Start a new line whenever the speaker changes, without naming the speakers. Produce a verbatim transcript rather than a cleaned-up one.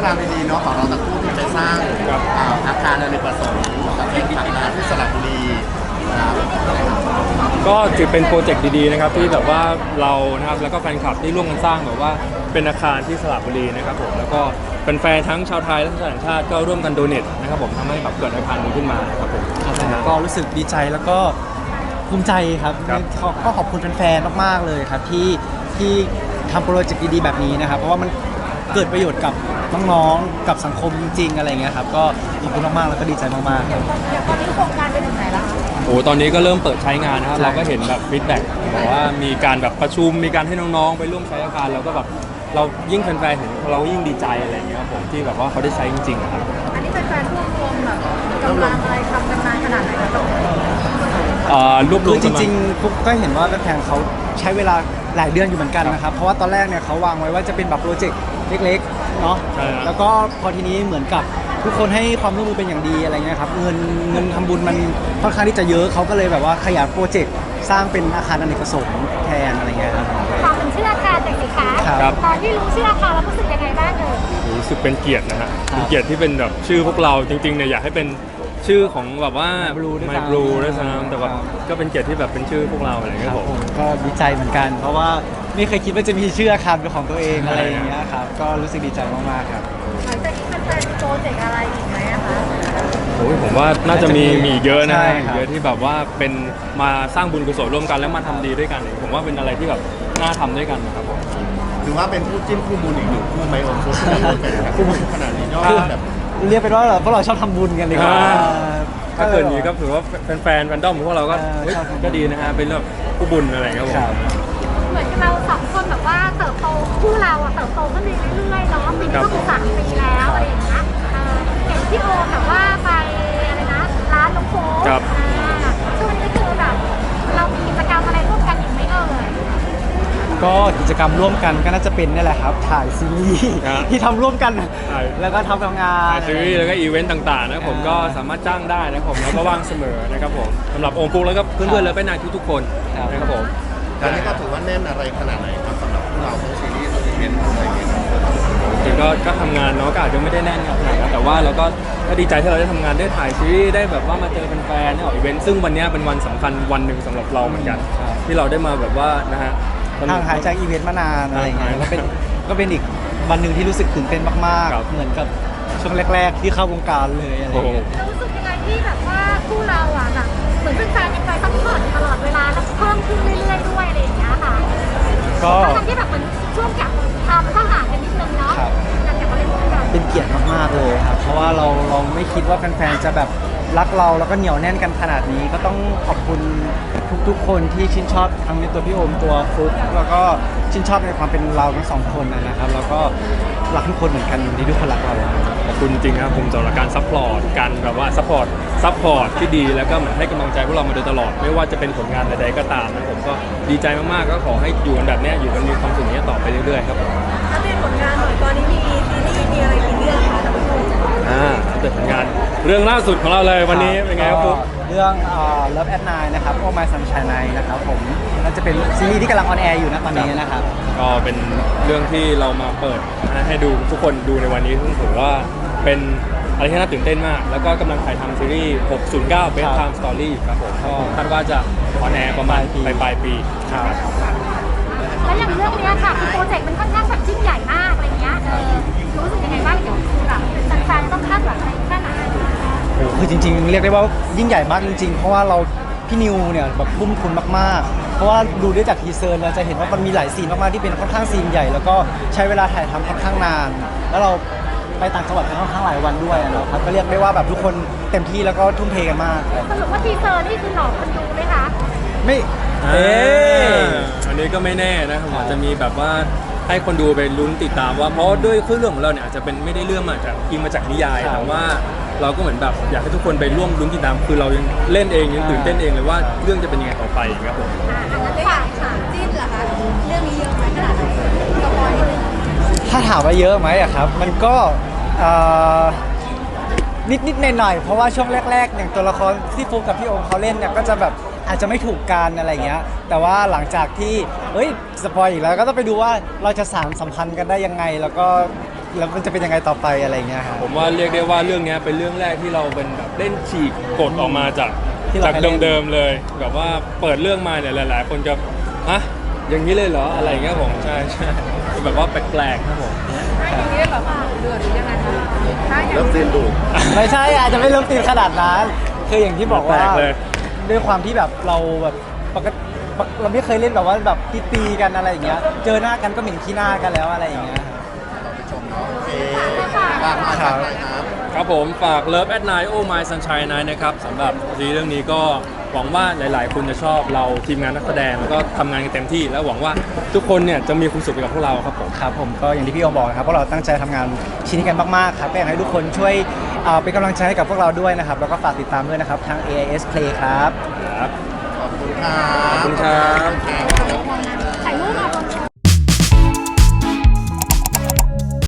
ราวดีๆเนาะของเราตะคู่ที่ไปสร้างอ่าอาคารอเนกประสงค์กับที่ผักน้ำที่สระบุรีนะครับ
ก็ถือเป็นโปรเจกต์ดีๆนะครับที่แบบว่าเรานะครับแล้วก็แฟนคลับที่ร่วมกันสร้างแบบว่าเป็นอาคารที่สระบุรีนะครับผมแล้วก็เป็นแฟนทั้งชาวไทยและชาวต่างชาติก็ร่วมกันโดเนทนะครับผมทำให้แบบเกิดอาคารนี้ขึ้นมานะครับผม
ก็รู้สึกดีใจแล้วก็ภูมิใจครับ
ครับ
ก็ขอบคุณแฟนๆมากๆเลยครับที่ที่ทำโปรเจกต์ดีๆแบบนี้นะครับเพราะว่ามันเกิดประโยชน์กับน้องๆกับสังคมจริงๆอะไรเงี้ยครับก็ขอบคุณมากๆแล้วก็ดีใจมากๆครับ
อย่างตอนนี้โครงการไปถึงไหนแล้วคะ
โอ้ตอนนี้ก็เริ่มเปิดใช้งานนะครับ
ใช่
เราก็เห็นแบบฟีดแบ็กบอกว่ามีการแบบประชุมมีการให้น้องๆไปร่วมใช้อาคารเราก็แบบเรายิ่งแฟนๆเห็นเรายิ่งดีใจอะไรอย่างเงี้ยครับผมที่แบบว่าเขาได้ใช้จริงๆอะครับ
อันนี้เป็นแฟนรวบรวมแบบกำลังอะไรทำกันมาขนาดไหนคะตรงนี้
เอ่อรวบร
คื
ว
อ
ม
จ
กันมา
ริงๆปุ๊กก็เห็นว่าแฟนๆเขาใช้เวลาหลายเดือนอยู่เหมือนกันนะครับเพราะว่าตอนแรกเนี่ยเขาวางไว้ว่าจะเป็นแบบโปรเจกต์เล็กๆเนาะ
ใช่ครับ
แล้วก็พอทีนี้เหมือนกับทุกคนให้ความร่วมมือเป็นอย่างดีอะไรเงี้ยครับเงินเงินทำบุญมันค่อนข้างที่จะเยอะเขาก็เลยแบบว่าขยายโปรเจกต์สร้างเป็นอาคารอเนกประสงค์แทนอะไรเงี้ยครับ
ความเป็นชื่ออาคารจากสิคะ
ครับ
ตอนที่รู้ชื่ออาคารแล้วรู้สึกยังไงบ้างเอ่ย
รู้สึกเป็นเกียรตินะฮะ
ครับ
เป็นเกียรติที่เป็นแบบชื่อพวกเราจริงๆเนี่ยอยากให้เป็นชื่อของแบบว่า
My Blue ด้วย
My
ซ้ำ
Blue ด้วยซ้ำแต่แบบ
ครับ
ก็เป็นเกียรติที่แบบเป็นชื่อพวกเราอะไรอย่าง
ค
เงี้ย
รับ
ผม
ผมก็ดีใจเหมือนกัน เพราะว่าไม่เคยคิดว่าจะมีชื่ออาคารเป็นของตัวเองอะไรอย่างเงี้ยครับก็รู้สึกดีใจมากๆครับ
หลังจากนี้เป็นแฟนโปรเจกต์อะไรอีกไหมอะคะ
โอ้ยผมว่าน่าจะมีมีอีกเยอะนะ
ใช่
ฮะ
ครับ
เยอะที่แบบว่าเป็นมาสร้างบุญกุศลร่วมกันแล้วมาทำดีด้วยกันเนี่ยผมว่าเป็นอะไรที่แบบน่าทำด้วยกันนะครับผม
ถือว่าเป็นคู่จิ้นคู่บุญอีกหนึ่งคู่ไหมโอมคู่ที่ร่วมกันแบบขนาดนี้ยอดแบบ
เรียกเป็นว่าเราพวกเราชอบทำบุญกันดีกว่า
อ่า ถ้าเกิดนี้ก็ถือว่าแฟนๆแฟนดอมของพวกเราก็
เออ
เฮ้ย
ชอบทำบุญ
ก็ดีนะฮะเป็นเรื่องผู้บุญอะไรอย่างเงี้ยครับผม
ครับ
เหมือนเราสองคนแบบว่าเติบโตคู่เราอะเติบโตขึ้นเรื่อยๆเนาะปีนี้ก็คือสามปีแล้วอะไรอย่างเงี้ยเออเห็นพี่โอมแบบว่าไปอะไรนะร้านน้องโฟก
ครับ
อ่าช่วงนี้คือแบบเรามีกิจกรรมอะไรร่วมกันอีกไหมเอ่ย
ก็กิจกรรมร่วมกันก็น่าจะเป็นนี่แหละครับถ่ายซีรีส์
ครับ
ที่ทำร่วมกัน
ใช่
แล้วก็ทำงาน
ถ่ายซีรีส์แล้วก็อีเวนต์ต่างๆนะครับผมก็สามารถจ้างได้นะครับผมแล้วก็ว่างเสมอนะครับผมสำหรับโอมฟุกแล้วก็เพื่อนๆและเป็นนายทุกๆคนนะครับผม
ตอนนี้ก็ถือว่าแน่นอะไรขนาดไหนครับสำหรับพวกเราทั้งซีรีส์ทั้งอีเวนต์อะไรอย่างเงี้ย
จริงๆก็ก็ทำงานเนาะก็อาจจะไม่ได้แน่นขนาดนั้นแต่ว่าเราก็ก็ดีใจที่เราได้ทำงานได้ถ่ายซีรีส์ได้แบบว่ามาเจอแฟนๆได้ออกอีเวนต์ซึ่งวันเนี้ยเป็นวันสำคัญวันหนึ่งสำหรับเราเหมือนกัน ที่เราได้มาแบบว่านะฮะ
ห่างหายจากอีเวนต์มานานอะไรอย่างเงี้ย
ห่างหาย
ก็เป็นก็เป็นอีกวันหนึ่งที่รู้สึกตื่นเต้นมาก
ครับ
ๆ เหมือนกับช่วงแรก ๆ ที่เข้าวงการเลยอะไรอย่างเงี้ย
เรารู้สึกยังไงที่แบบว่าคู่เราอ่ะแบบเหมือนเป็นแฟนยังไปซัพพอร์ตตลอดเวลาแล้วเพิ่มขึ้นเรื่อยๆด้วยอะไรอย่างเงี้ยค่ะ
ก็
ทั้งที่แบบเหมือนช่วงจากทำก็ห่างกันนิดนึงเนาะ
ครับ
การกลับมาเล่นด้วยกัน
เป็นเกียรติมากๆเลยครับ เพราะว่าเราเราไม่คิดว่าแฟนๆ จะแบบรักเราแล้วก็เหนียวแน่นกันขนาดนี้ ก็ต้องขอบคุณทุกๆ คนที่ชื่นชอบทั้งในตัวพี่โอมตัวฟุกแล้วก็ชื่นชอบในความเป็นเราทั้งสองคนนะครับ แล้วก็รักทุกคนเหมือนกันที่ทุกคนรักเรา
ขอบคุณจริงๆครับผมสำหรับการซัพพอร์ตการแบบว่าซัพพอร์ตซัพพอร์ตที่ดีแล้วก็เหมือนให้กำลังใจพวกเรามาโดยตลอด ไม่ว่าจะเป็นผลงานใดๆก็ตามนะผมก็ดีใจมากๆก็ขอให้อยู่กันแบบเนี้ยอยู่กันมีความสุขอย่างเนี้ยต่อไปเรื่อยๆครับผม
ถ้าเป็นผลงานหน่อยตอนนี้มีซีรีส์มีอะไรกี่เรื่องคะท่านผู้ชม
อ่าเปิดผลงานเรื่องล่าสุดของเราเลยวันนี้เป็นไงครับฟุ๊ก
เรื่องเอ่อ Love at Nine นะครับ Oh My Sunshine Night นะครับผมน่าจะเป็นซีรีส์ที่กำลังออนแอร์อยู่นะตอนนี้นะครับ
ก็เป็นเรื่องที่เรามาเปิดให้ดูทุกคนดูในวันนี้ซึ่งถือว่าเป็นอะไรที่น่าตื่นเต้นมาก แล้วก็กำลังถ่ายทำซีรีส์ หกศูนย์เก้า Bedtime Story อยู่ครับผมก็คาดว่าจะออนแอร์ประมาณปลายปลายๆปีครับ
แล้วอย่างเรื่องเนี้ยค่ะคือโปรเจกต์มันค่อนข้างแบบยิ่งใหญ่มากอะไรเงี้ยเออรู้สึกยังไงบ้างเดี๋ยวคือแบบแฟนๆต้องคาดหวังอะไรแค่ไหน
โอ้โหคือจริงๆ เรียกได้ว่ายิ่งใหญ่มากจริงๆ เพราะว่าเราพี่นิวเนี่ยแบบทุ่มทุนมากๆ เพราะว่าดูได้จากทีเซอร์เราจะเห็นว่ามันมีหลายซีนมากๆที่เป็นค่อนข้างซีนใหญ่ แล้วก็ใช้เวลาถ่ายทำค่อนข้างนาน แล้วเราไปต่างจังหวัดกันค่อนข้างหลายวันด้วยนะครับก็เรียกได้ว่าแบบทุกคนเต็มที่แล้วก็ทุ่มเทกันมากครับ
สรุปว่าทีเซอร์นี่คือหลอกคนดูไหมคะ
ไม่
เอ
เอ๊ะ
อันนี้ก็ไม่แน่นะครับ
ครับ
อาจจะมีแบบว่าให้คนดูไปลุ้นติดตามว่าเพราะด้วยเรื่องของเราเนี่ยอาจจะเป็นไม่ได้เรื่องมาจากอิงมาจากนิยาย
ครับ
แต่ว่าเราก็เหมือนแบบอยากให้ทุกคนไปร่วมลุ้นติดตามคือเรายังเล่นเองยังตื่นเต้นเองเลยว่าเรื่องจะเป็นยังไงต่อไปครับผม
อ่าอันนั้นฝากค่ะจิ้นเหรอคะเรื่องนี้เยอะไหมขนาดไหนสปอยนิดนึง
ถ้าถามว่าเยอะไหมอะครับ มันก็เอ่อนิดนิดๆหน่อยๆเพราะว่าช่วงแรกๆ อย่างตัวละครที่ฟุกกับพี่โอมเขาเล่นเนี่ยก็จะแบบอาจจะไม่ถูกกันอะไรเงี้ยแต่ว่าหลังจากที่เอ้ยสปอยอีกแล้วก็ต้องไปดูว่าเราจะสานสัมพันธ์กันได้ยังไง แล้วก็แล้วมันจะเป็นยังไงต่อไปอะไรอย่างเงี้ยครับ
ผมว่าเรียกได้ว่าเรื่องเนี้ยเป็นเรื่องแรกที่เราเป็นแบบเล่นฉีกกฎออกมาจาก
ที่เรา
จาก
เคยเล่น
เดิมๆเลยแบบว่าเปิดเรื่องมาเนี่ยหลาย ๆ คนจะฮะอย่างนี้เลยเหรออะไรอย่างเงี้ยผมใช่ใช่เป็นแบบว่าแปลกๆครับผม
อย่างนี้แบบเดือดหรือยังไงคะถ้าอย่าง
เริ่ม
นี้
เส้นดู
ไม่ใช่อาจจะไม่เริ่มตีนขนาดนั้นคืออย่างที่บอกว่า
แปลกเลย
ด้วยความที่แบบเราแบบปกติเราไม่เคยเล่นแบบว่าแบบตีๆกันอะไรอย่างเงี้ยเจอหน้ากันก็เหม็นขี้หน้ากันแล้วอะไรอย่างเงี้ย
เราไปชมเนาะโอเคฝากมาฝากหน่อยครับ
ครับผมฝาก Love at Night Oh My Sunshine Night นะครับสำหรับซีรีส์เรื่องนี้ก็หวังว่าหลาย ๆ คนจะชอบเราทีมงานนักแสดงแล้วก็ทำงานกันเต็มที่ แล้วหวังว่าทุกคนเนี่ยจะมีความสุขไปกับพวกเราครับผม
ครับผมก็อย่างที่พี่โอบอกนะครับพวกเราตั้งใจทำงานชิ้นนี้กันมากๆครับก็อยากให้ทุกคนช่วยเอ่อเป็นกำลังใจให้กับพวกเราด้วยนะครับแล้วก็ฝากติดตามด้วยนะครับทาง เอ ไอ เอส Play ครับ
ครับ
ขอบคุณครับ
ขอบคุณครับ
ขอบคุณครับ